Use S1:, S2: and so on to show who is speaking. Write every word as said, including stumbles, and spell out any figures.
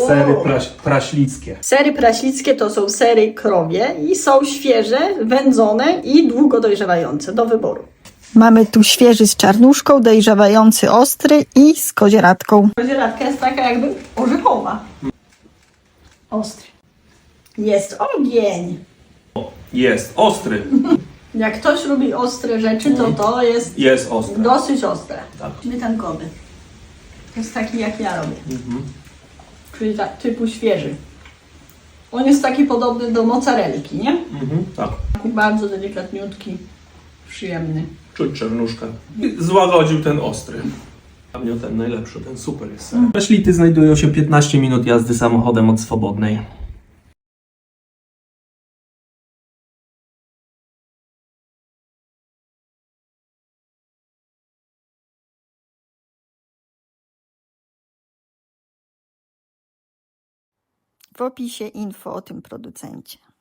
S1: Sery praś, praślickie.
S2: Sery praślickie to są sery krowie i są świeże, wędzone i długo dojrzewające, do wyboru. Mamy tu świeży z czarnuszką, dojrzewający ostry i z kozieradką. Kozieradka jest taka jakby orzechowa. Ostry. Jest ogień.
S1: Jest ostry.
S2: Jak ktoś lubi ostre rzeczy, to to jest
S1: Jest ostry.
S2: dosyć ostre.
S1: Tak.
S2: Śmietankowy. To jest taki jak ja robię.
S1: Mhm.
S2: Czyli tak, typu świeży. On jest taki podobny do mozzarellki, nie?
S1: Mhm. Tak.
S2: Taki bardzo delikatniutki, przyjemny.
S1: Czuć czarnuszkę. I złagodził ten ostry. Dla mnie ten najlepszy, ten super jest ser. Ślity znajdują się piętnaście minut jazdy samochodem od Swobodnej.
S2: W opisie info o tym producencie.